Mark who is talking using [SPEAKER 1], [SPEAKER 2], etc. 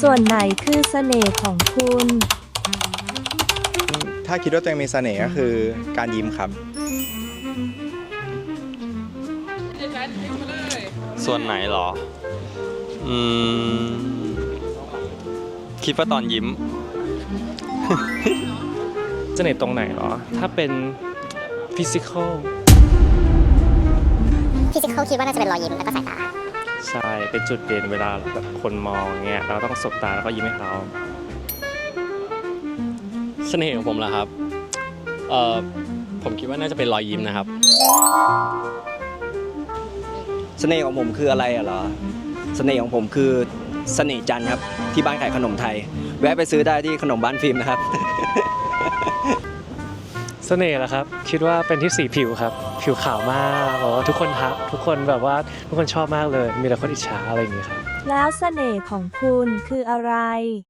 [SPEAKER 1] ส่วนไหนคือเสน่ห์ของคุณ
[SPEAKER 2] ถ้าคิดว่าตัวเองมีเสน่ห์ก็คือการยิ้มครับ
[SPEAKER 3] ส่วนไหนเหรอ อืม คิดว่าตอนยิ้ม
[SPEAKER 4] เสน่ห์ตรงไหนเหรอ ถ้าเป็นฟิสิกอล
[SPEAKER 5] ฟิสิกอลคิดว่าน่าจะเป็นรอยยิ้มแล้วก็สายตา
[SPEAKER 4] ใช่ เป็นจุดเด่นเวลาแบบคนมองเงี้ย เราต้องสบตาแล้วก็ยิ้มให้เขา
[SPEAKER 6] เสน่ห์ของผมล่ะครับ ผมคิดว่าน่าจะเป็นรอยยิ้มนะครับ
[SPEAKER 7] เสน่ห์ของผมคืออะไรเหรอ เสน่ห์ของผมคือเสน่ห์จันทร์ครับที่บ้านขายขนมไทย แวะไปซื้อได้ที่ขนมบ้านฟิล์มนะครับ
[SPEAKER 4] เสน่ห์เหรอครับ คิดว่าเป็นที่สีผิวครับ ผิวขาวมากแบบว่าทุกคนทักทุกคนแบบว่าทุกคนชอบมากเลย มีแต่คนอิจฉาอะไรอย่างเงี้ยครับ
[SPEAKER 1] แล้วเสน่ห์ของคุณคืออะไร